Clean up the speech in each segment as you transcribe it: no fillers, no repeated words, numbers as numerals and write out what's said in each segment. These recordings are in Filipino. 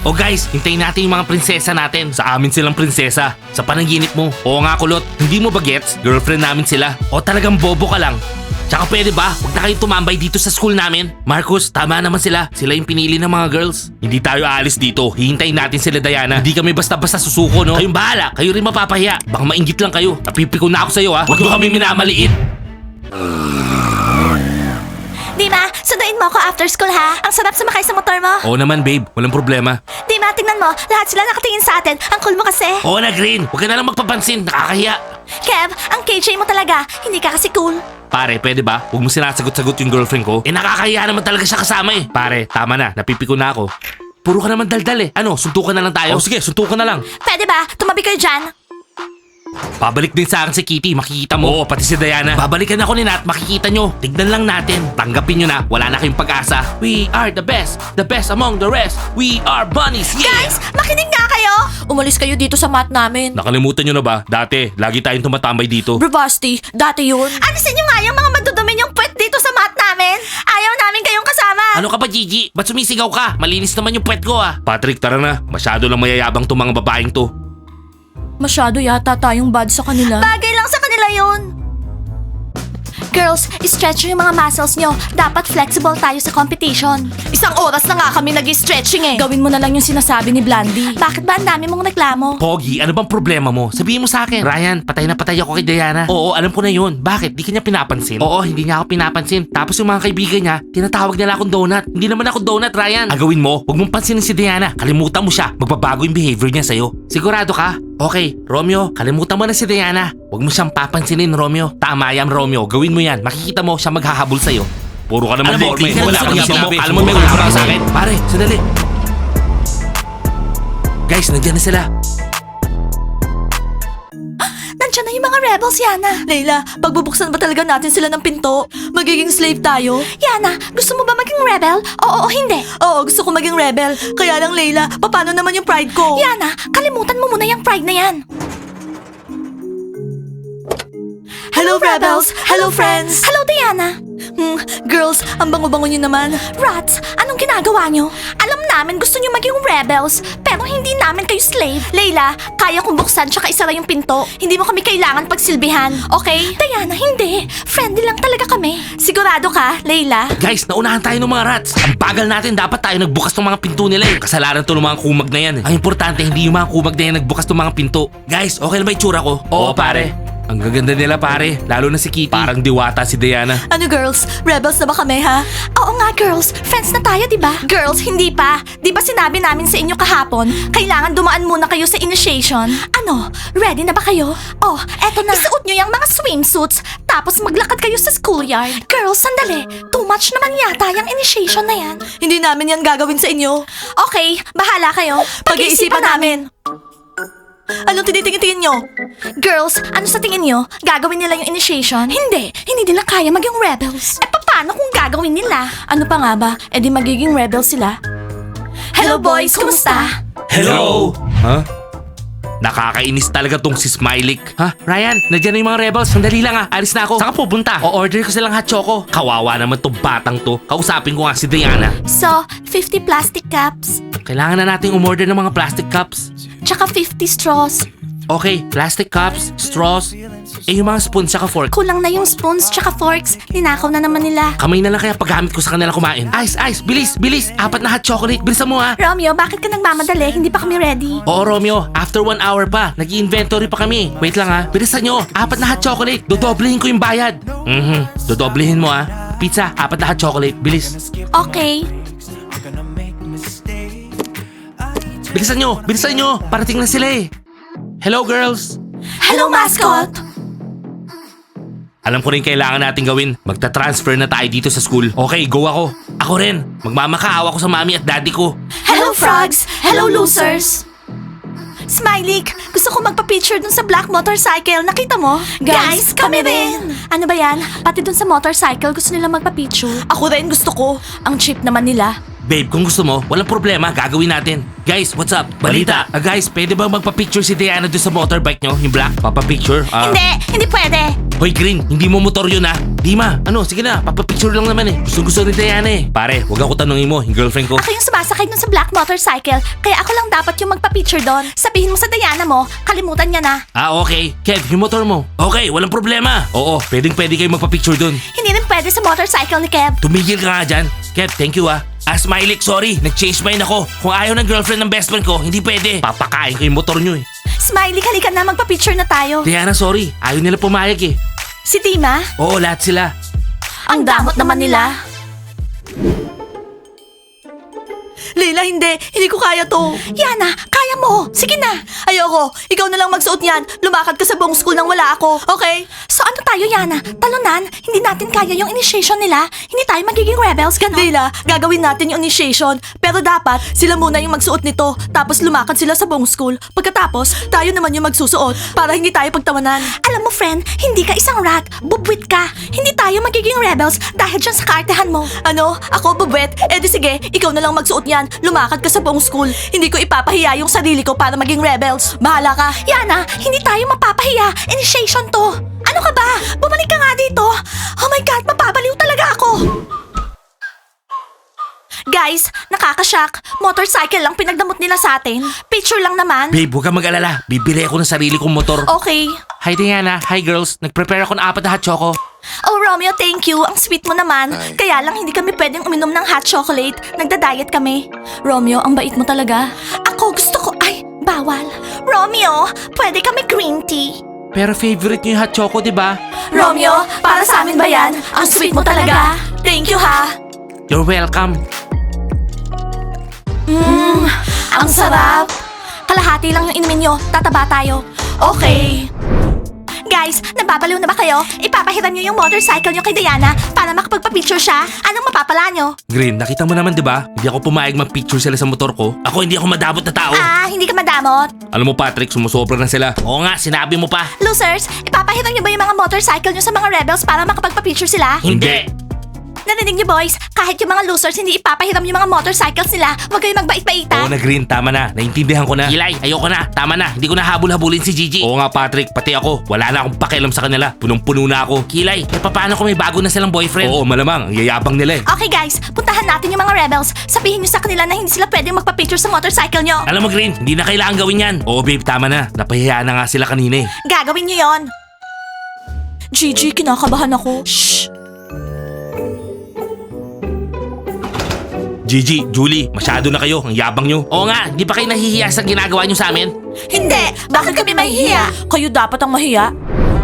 O guys, hintayin natin yung mga prinsesa natin. Sa amin silang prinsesa. Sa panaginip mo. Oo nga kulot, hindi mo ba gets? Girlfriend namin sila. O talagang bobo ka lang. Tsaka pwede ba? Huwag na kayong tumambay dito sa school namin. Marcus, tama naman sila. Sila yung pinili ng mga girls. Hindi tayo aalis dito. Hihintayin natin sila Diana. Hindi kami basta-basta susuko, no? Kayong bahala. Kayo rin mapapahiya. Baka mainggit lang kayo. Napipiko na ako sa'yo, ha? Huwag mo kami minamaliit. Dima, sunduin mo ako after school ha. Ang sarap sumakay sa motor mo. Oo naman, babe. Walang problema. Dima, tingnan mo. Lahat sila nakatingin sa atin. Ang cool mo kasi. Oo na, Green. Huwag ka na lang magpapansin. Nakakahiya. Kev, ang KJ mo talaga. Hindi ka kasi cool. Pare, pwede ba? Huwag mo sinasagot-sagot yung girlfriend ko. Nakakahiya naman talaga siya kasama eh. Pare, tama na. Napipiko na ako. Puro ka naman daldal eh. Ano, suntukan na lang tayo? Oh, sige, suntukan na lang. Pwede ba? Tumabi kayo dyan. Babalik din sa akin si Kitty, makikita mo. Oo, pati si Diana. Babalikan ako ni Nat, makikita nyo. Tignan lang natin. Tanggapin nyo na, wala na kayong pag-asa. We are the best among the rest. We are bunnies, yeah! Guys, makinig nga kayo. Umalis kayo dito sa mat namin. Nakalimutan nyo na ba? Dati, lagi tayong tumatambay dito. Bravasti, dati yun. Alisin nyo nga yung mga madudumi yung puwet dito sa mat namin. Ayaw namin kayong kasama. Ano ka ba, Gigi? Ba't sumisigaw ka? Malinis naman yung puwet ko ah. Patrick, tara na. Masyado lang mayayabang tong mga babaeng to. Masyado yata tayong bad sa kanila. Bagay lang sa kanila yun. Girls, stretch yung mga muscles nyo. Dapat flexible tayo sa competition. Isang oras na nga kami nag-stretching eh. Gawin mo na lang yung sinasabi ni Blandy. Bakit ba ang dami mong reklamo? Pogi, ano bang problema mo? Sabihin mo sa akin. Ryan, patay na patay ako kay Diana. Oo, alam ko na yun. Bakit? Di ka niya pinapansin? Oo, hindi niya ako pinapansin. Tapos yung mga kaibigan niya, tinatawag nila akong donut. Hindi naman ako donut, Ryan. Agawin mo, huwag mong pansinin si Diana. Kalimutan mo siya. Magbabago yung behavior niya sa'yo. Sigurado ka? Okay, Romeo, kalimutan mo na si Diana. Huwag mo siyang papansinin, Romeo. Tama yan, Romeo. Gawin mo yan. Makikita mo siya maghahabol sa'yo. Puro ka naman formal. Wala kang sinabi. Alam mo, may wala ka sa akin. Pare, sandali. Guys, nandiyan na sila. Nandiyan na yung mga rebels, Yana. Layla, pagbubuksan ba talaga natin sila ng pinto? Magiging slave tayo? Yana, gusto mo ba maging rebel? Oo o hindi? Oo, gusto ko maging rebel. Kaya lang, Layla, paano naman yung pride ko? Yana, kalimutan mo muna yung pride na yan. Hello, rebels! Hello, friends! Hello, Diana! Girls, ang bango-bango nyo naman. Rats, anong ginagawa nyo? Alam namin gusto nyo maging rebels, pero hindi namin kayo slave. Layla, kaya kong buksan tsaka isara yung pinto. Hindi mo kami kailangan pagsilbihan, okay? Diana, hindi. Friendly lang talaga kami. Sigurado ka, Layla? Guys, naunahan tayo ng mga rats. Ang bagal natin, dapat tayo nagbukas ng mga pinto nila eh. Kasalanan to ng mga kumag na yan eh. Ang importante, hindi yung mga kumag na yan nagbukas ng mga pinto. Guys, okay na ba itsura ko? Oo, pare. Ang gaganda nila pare, lalo na si Kitty. Parang diwata si Diana. Ano girls? Rebels na ba kami ha? Oo nga girls, friends na tayo di ba? Girls, hindi pa. Di ba sinabi namin sa inyo kahapon, kailangan dumaan muna kayo sa initiation? Ano? Ready na ba kayo? Oh, eto na. Isuot nyo yung mga swimsuits, tapos maglakad kayo sa schoolyard. Girls, sandali. Too much naman yata yung initiation na yan. Hindi namin yan gagawin sa inyo. Okay, bahala kayo. Pag-iisipan namin. Anong tinitingin-tingin nyo? Girls, ano sa tingin nyo? Gagawin nila yung initiation? Hindi nila kaya maging rebels. Paano kung gagawin nila? Ano pa nga ba? E di magiging rebels sila. Hello boys, kumusta? Hello! Ha? Nakakainis talaga tong si Smiley. Ha? Ryan, nandiyan na yung mga rebels. Sandali lang alis na ako. Saan ka pupunta? O-order ko silang hot choco. Kawawa naman tong batang to. Kausapin ko nga si Diana. So, 50 plastic cups, Kailangan na nating umorder ng mga plastic cups. tsaka 50 straws. Okay, plastic cups, straws, yung mga spoons saka fork. Kulang na yung spoons tsaka forks. Ninakaw na naman nila. Kamay na lang kaya paggamit ko sa kanila kumain. Ice, bilis! 4 na hot chocolate. Bilisan mo ha. Romeo, bakit ka nagmamadali? Hindi pa kami ready. Oo, Romeo. After 1 hour pa. Nag-inventory pa kami. Wait lang ha. Bilisan nyo. 4 na hot chocolate. Dodoblehin ko yung bayad. Dodoblehin mo ha. Pizza, 4 na hot chocolate. Bilis. Okay. Bilisan nyo. Parating na sila eh. Hello, girls. Hello, mascot! Alam ko rin kailangan natin gawin. Magta-transfer na tayo dito sa school. Okay, go ako. Ako rin. Magmamakaawa ko sa mami at daddy ko. Hello, frogs! Hello, losers! Smiley, gusto ko magpa-picture dun sa black motorcycle. Nakita mo? Guys, kami rin! Ano ba yan? Pati dun sa motorcycle gusto nila magpa-picture. Ako rin gusto ko. Ang cheap naman nila. Babe, kung gusto mo, walang problema, gagawin natin. Guys, what's up? Balita. Guys, pwede ba magpa-picture si Diana doon sa motorbike nyo? Yung black? Papa-picture? Hindi pwede. Hoy Green, hindi mo motor yun ah. Dima, ano, sige na, papapicture lang naman eh. Gusto ni Diana eh. Pare, wag ako tanungin mo, yung girlfriend ko. Ako yung sumasakay dun sa black motorcycle, kaya ako lang dapat yung magpa-picture doon. Sabihin mo sa Diana mo, kalimutan niya na. Ah, okay. Kev, yung motor mo. Okay, walang problema. Oo, pwede kayo magpa-picture dun. Hindi rin pwede sa motorcycle ni Kev. Tumigil ka nga dyan. Kev, thank you ah. Smiley, sorry, nag-change mind ako. Kung ayaw ng girlfriend ng best friend ko, hindi pwede. Papakain ko yung motor nyo eh. Smiley, halika na, magpa-picture na tayo. Diana, sorry. Ayaw nila pumayag eh. Si Dima? Oo, lahat sila. Ang damot naman nila. Leila, hindi ko kaya to. Yana, kaya mo. Sige na. Ayoko. Ikaw na lang magsuot niyan. Lumakad ka sa buong school nang wala ako. Okay? So ano tayo, Yana? Talunan? Hindi natin kaya yung initiation nila. Hindi tayo magiging rebels, gano'n. Leila, gagawin natin yung initiation. Pero dapat, sila muna yung magsuot nito. Tapos lumakad sila sa buong school. Pagkatapos, tayo naman yung magsusuot. Para hindi tayo pagtawanan. Alam mo, friend, hindi ka isang rat. Bubwit ka. Hindi tayo magiging rebels dahil dyan sa kaartehan mo. Ano? Ako bubwit? Eh di sige, ikaw na lang magsuot niyan. Lumakad ka sa buong school. Hindi ko ipapahiya yung sarili ko para maging rebels. Bahala ka. Yana, hindi tayo mapapahiya. Initiation to. Ano ka ba? Bumalik ka nga dito. Oh my God, mapapaliw talaga ako. Guys, nakakashock. Motorcycle lang pinagdamot nila sa atin. Picture lang naman. Babe, huwag kang mag-alala. Bibili ako ng sarili kong motor. Okay. Hi Diana, hi girls. Nag-prepare ako ng 4 na hot choco. Oh, Romeo, thank you. Ang sweet mo naman. Kaya lang hindi kami pwedeng uminom ng hot chocolate. Nagda-diet kami. Romeo, ang bait mo talaga. Ako gusto ko... Ay, bawal. Romeo, pwede kami green tea. Pero favorite niyo yung hot choco, di ba? Romeo, para sa amin ba yan? Ang sweet mo talaga. Thank you, ha. You're welcome. Ang sarap. Kalahati lang yung inumin nyo. Tataba tayo. Okay. Guys, nababaliw na ba kayo? Ipapahiram nyo yung motorcycle nyo kay Diana para makapagpa-picture siya. Anong mapapala nyo? Green, nakita mo naman di ba? Hindi ako pumayag mag-picture sila sa motor ko. Ako hindi ako madabot na tao. Hindi ka madamot. Alam mo Patrick, sumusobra na sila. Oo nga, sinabi mo pa. Losers, ipapahiram nyo ba yung mga motorcycle nyo sa mga rebels para makapagpa-picture sila? Hindi. Narinig nyo boys, kahit yung mga losers hindi ipapahiram yung mga motorcycles nila, huwag kayong Oo magbait-baitan. na Green, tama na. Naintindihan ko na. Kilay, ayoko na. Tama na. Hindi ko na habol-habulin si Gigi. Oo nga Patrick, pati ako. Wala na akong pakialam sa kanila. Punong-puno na ako. Kilay, paano kung may bago na silang boyfriend? Oo, malamang. Ang yayabang nila eh. Okay guys, puntahan natin yung mga rebels. Sabihin nyo sa kanila na hindi sila pwedeng magpa-picture sa motorcycle nyo. Alam mo Green, hindi na kailangan gawin yan. Oo babe, tama na. Napahiyaan na nga sila kanina eh. Gagawin nyo yon. Gigi, kinakabahan ako. Shh! Gigi, Julie, masyado na kayo. Ang yabang nyo. Oo nga, di ba kayo nahihiya sa ginagawa nyo sa amin? Hindi! Bakit kami mahihiya? Kayo dapat ang mahiya.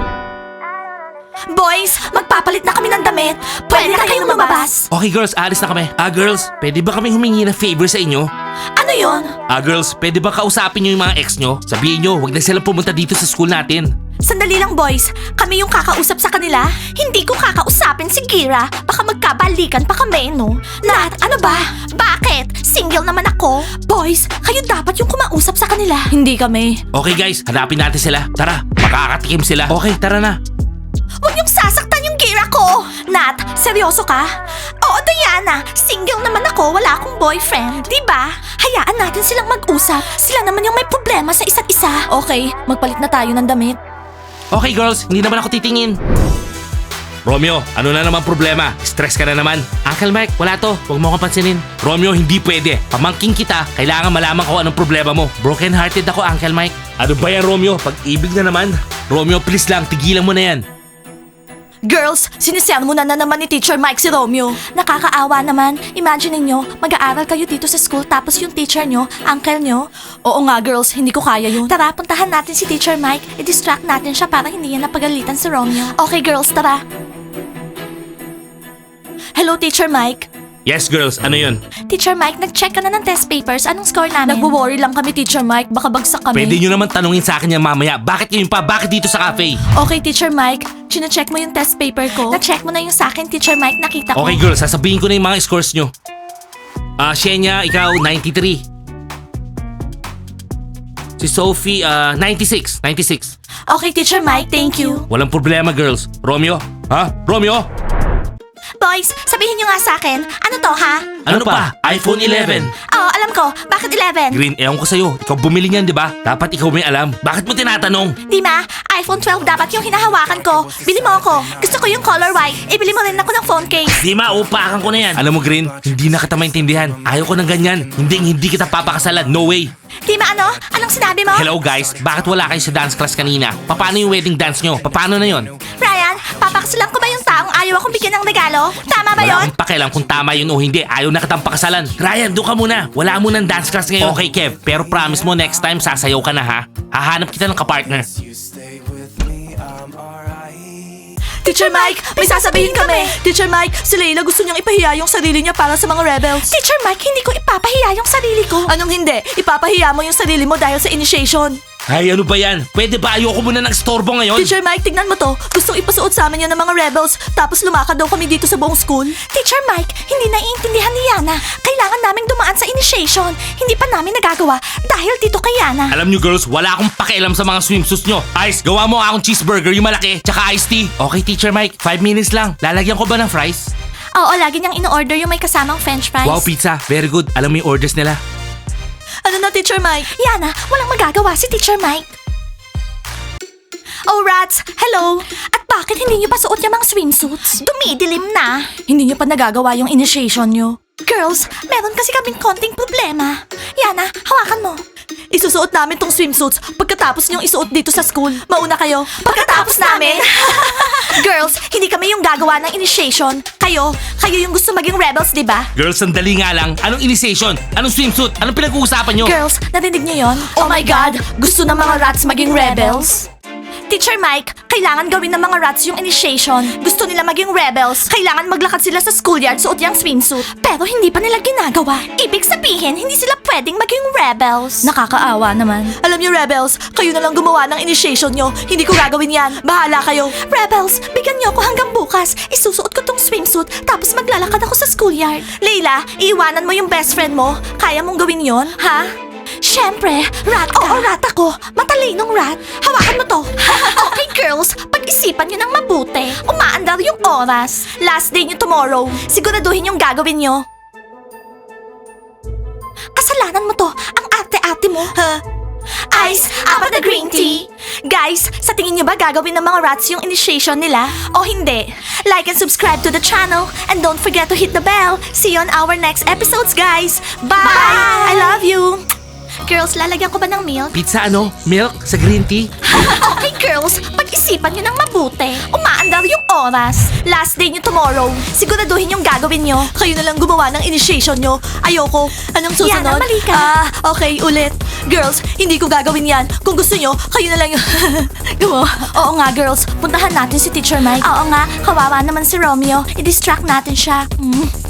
Boys, magpapalit na kami ng damit. Pwede na kayong lumabas. Okay girls, alis na kami. Girls, pwede ba kami humingi ng favor sa inyo? Ano yon? Girls, pwede ba kausapin nyo yung mga ex nyo? Sabihin nyo, huwag na silang pumunta dito sa school natin. Sandali lang boys, kami yung kakausap sa kanila? Hindi ko kakausapin si Kira. Baka magkabalikan pa kami, no? Nat, ano ba? Bakit? Single naman ako. Boys, kayo dapat yung kumausap sa kanila. Hindi kami. Okay guys, hanapin natin sila. Tara, makakatikim sila. Okay, tara na. Huwag niyong sasaktan yung Kira ko! Nat, seryoso ka? Oo, Diana. Single naman ako, wala akong boyfriend. Diba? Hayaan natin silang mag-usap. Sila naman yung may problema sa isa't isa. Okay, magpalit na tayo ng damit. Okay girls, hindi naman ako titingin. Romeo, ano na naman problema? Stress ka na naman. Uncle Mike, wala to. Huwag mo akong pansinin. Romeo, hindi pwede. Pamangking kita, kailangan malaman ko anong problema mo. Broken hearted ako, Uncle Mike. Ano ba yan, Romeo? Pag-ibig na naman. Romeo, please lang, tigilan mo na yan. Girls, sinisermo na naman ni Teacher Mike si Romeo. Nakakaawa naman. Imagine niyo, mag-aaral kayo dito sa school tapos yung teacher nyo, uncle nyo. Oo nga girls, hindi ko kaya yun. Tara, puntahan natin si Teacher Mike. I-distract natin siya para hindi niya napagalitan si Romeo. Okay girls, tara. Hello Teacher Mike. Yes girls, ano yun? Teacher Mike, nag-check ka na ng test papers. Anong score namin? Nagwo-worry lang kami, Teacher Mike. Baka bagsak kami. Pwede nyo naman tanungin sa akin yan mamaya. Bakit yun pa? Bakit dito sa cafe? Okay, Teacher Mike. Chine-check mo yung test paper ko. Na-check mo na yung sa akin, Teacher Mike. Nakita ko. Okay girls, sasabihin ko na yung mga scores nyo. Shenya, ikaw 93. Si Sophie, 96. 96. Okay, Teacher Mike. Thank you. Walang problema girls. Romeo? Ha? Romeo? boys, sabihin nyo nga sa akin, ano to ha? Ano pa? iPhone 11. Oo, alam ko. Bakit 11? Green, ewan ko sa'yo. Ikaw bumili niyan, di ba? Dapat ikaw may alam. Bakit mo tinatanong? Dima, iPhone 12 dapat yung hinahawakan ko. Bili mo ako. Gusto ko yung color white. Ibili mo rin ako ng phone case. Di maupakan ko na yan. Alam mo, Green, hindi na kita maintindihan. Ayaw ko ng ganyan. Hindi kita papakasalan. No way. Dima, ano? Anong sinabi mo? Hello guys, bakit wala kayo sa dance class kanina? Paano yung wedding dance nyo? Paano na yon? Ryan, papakasalan ko ba yung taong ayaw akong bigyan ng regalo? Tama ba Wala yon? akong pakialam kung tama yun o hindi. Ayaw na kitang pakasalan. Ryan, doon ka muna. Wala mo ng dance class ngayon. Okay, Kev. Pero promise mo next time sasayaw ka na ha. Hahanap kita ng kapartner. Teacher Mike, may sasabihin kami. Teacher Mike, si Layla gusto niyang ipahiya yung sarili niya para sa mga rebels. Teacher Mike, hindi ko ipapahiya yung sarili ko. Anong hindi? Ipapahiya mo yung sarili mo dahil sa initiation. Ay, ano ba yan? Pwede ba ayoko muna ng storbo ngayon? Teacher Mike, tignan mo to. Gustong ipasuot sa amin yan ng mga rebels. Tapos lumakad daw kami dito sa buong school. Teacher Mike, hindi naiintindihan ni Yana. Kailangan naming dumaan sa initiation. Hindi pa namin nagagawa dahil dito kay Yana. Alam nyo girls, wala akong pakialam sa mga swimsuits nyo. Ice, gawa mo akong cheeseburger, yung malaki, tsaka iced tea. Okay, Teacher Mike, 5 minutes lang. Lalagyan ko ba ng fries? Oo, lagi niyang in-order yung may kasamang french fries. Wow, pizza. Very good. Alam mo yung orders nila. Ano na, Teacher Mike? Yana, walang magagawa si Teacher Mike. Oh, rats! Hello! At bakit hindi niyo pa suot yung mga swimsuits? Dumidilim na. Hindi niyo pa nagagawa yung initiation niyo. Girls, meron kasi kaming konting problema. Yana, hawakan mo. Isusuot namin tong swimsuits pagkatapos niyong isuot dito sa school. Mauna kayo. Pagkatapos namin? Girls, hindi kami yung gagawa ng initiation. Kayo yung gusto maging rebels, di ba? Girls, sandali nga lang. Anong initiation? Anong swimsuit? Anong pinag-uusapan nyo? Girls, narinig niyo yon? Oh my God! Gusto ng mga rats maging rebels? Teacher Mike, kailangan gawin ng mga rats yung initiation. Gusto nila maging rebels. Kailangan maglakad sila sa schoolyard suot yung swimsuit. Pero hindi pa nila ginagawa. Ibig sabihin, hindi sila pwedeng maging rebels. Nakakaawa naman. Alam niyo, rebels, kayo na lang gumawa ng initiation nyo. Hindi ko gagawin yan. Bahala kayo. Rebels, bigyan niyo ako hanggang bukas. Isusuot ko tong swimsuit, tapos maglalakad ako sa schoolyard. Leila, iiwanan mo yung best friend mo. Kaya mong gawin yon, ha? Siyempre, rat ka. Oo, rat ako. Matalinong rat. Hawakan mo to. Okay, girls. Pag-isipan nyo ng mabuti. Umaandar yung oras. Last day nyo tomorrow. Siguraduhin yung gagawin nyo. Kasalanan mo to. Ang ate-ate mo. Ice, apat na green tea. Guys, sa tingin nyo ba gagawin ng mga rats yung initiation nila? O hindi? Like and subscribe to the channel. And don't forget to hit the bell. See you on our next episodes, guys. Bye! I love you. Girls, lalagyan ko ba ng milk? Pizza ano? Milk? Sa green tea? Okay, girls. Pag-isipan nyo ng mabuti. Umaandar yung oras. Last day nyo tomorrow. Siguraduhin yung gagawin nyo. Kayo na lang gumawa ng initiation nyo. Ayoko. Anong susunod? Yana, mali ka. Okay, ulit. Girls, hindi ko gagawin yan. Kung gusto nyo, kayo na lang yung... Gumawa. Oo nga, girls. Puntahan natin si Teacher Mike. Oo nga, kawawa naman si Romeo. I-distract natin siya.